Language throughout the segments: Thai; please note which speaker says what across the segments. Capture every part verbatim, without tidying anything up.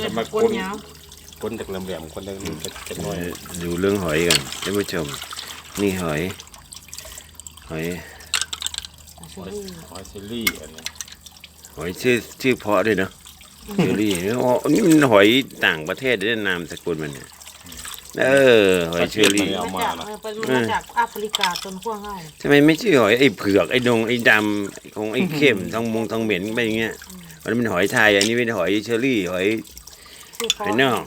Speaker 1: จะมาคนคนจากลำแหลมคนจากจะน้อย
Speaker 2: ดูเรื่องหอยกันท่านผู้ชมนี่หอยหอย
Speaker 1: หอยเชอรี่อันนี้
Speaker 2: หอยชื่อชื่อเพาะด้วยเนาะเชอรี่อ๋อนี่มันหอยต่างประเทศได้นามสกุลมันเนี่ยเออหอยเชอรี่
Speaker 3: มาจากมาจากแอฟริกาต้นขั้วง่าย
Speaker 2: ทำไมไม่ชื่อหอยไอ้เผือกไอ้ดงไอ้ดำของไอ้เข้มทองมงทองเหม็นไปอย่างเงี้ยมันเป็นหอยไทยอันนี้เป็นหอยเชอรี่หอยหอยนอก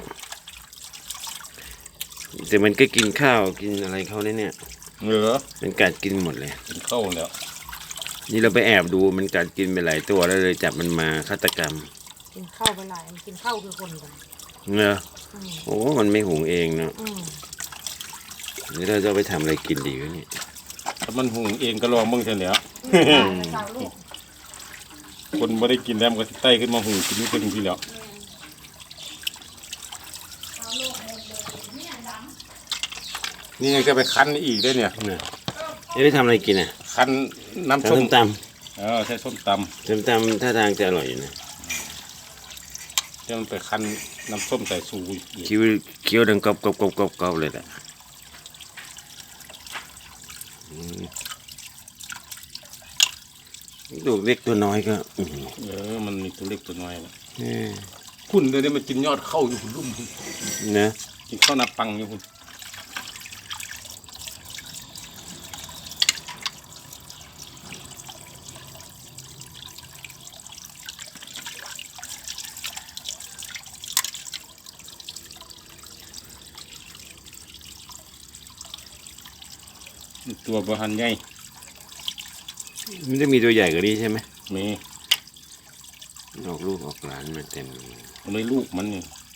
Speaker 2: แต่มันก็กินข้าวกินอะไรเขาเนี่ยเนี่ย
Speaker 1: เหรอ
Speaker 2: มันกัดกินหมดเลย
Speaker 1: กินข้าวแล้ว
Speaker 2: นี่เราไปแอบดูมันกัดกินไปหลายตัวแล้วเลยจับมันมาฆาตกรรม
Speaker 3: กินข้าวไปหลายกินข้าวคือคนกัน
Speaker 2: เนอะโอ้มันไม่หุงเองเนาะนี่เราจะไปทำอะไรกินดีวะเนี่ย
Speaker 1: ถ้ามันหุงเองก็ลองมึงเถอะเนี่ยคนไม่ได้กินแล้วมันก็ไต่ขึ้นมาหุงกินนี่เป็นที่แล้วนี่ก็ไปคั้นอีกได้เนี่ย
Speaker 2: เนี่ยจะได้ทำอะไรกินอ่ะ
Speaker 1: คั้นน้ำส้ม
Speaker 2: ต
Speaker 1: ำเออใช่ส้มตำ
Speaker 2: ส้มตำท่าทางจะอร่อยอยู่นะ
Speaker 1: จะมันไปคั้นน้ำส้มใส่ซู
Speaker 2: เคี้ยวเคี้ยวดังกรอบกรอบกรอบกรอบกรอบเลยแหละลูกเล็กตัวน้อยก็
Speaker 1: เออมันมีตัวเล็กตัวน้อยนะคุณเดี๋ยวนี้มันกินยอดเข้าอยู่คุณรุ่มคุณ
Speaker 2: นะ
Speaker 1: กินข้าวนาปังอยู่คุณตัวบะฮันใหญ่
Speaker 2: มันจะมีตัวใหญ่กว่านี้ใช่ไหม
Speaker 1: มี
Speaker 2: ออกลูกออกหลานมาเต็ม
Speaker 1: ไม่ลูกมันนี่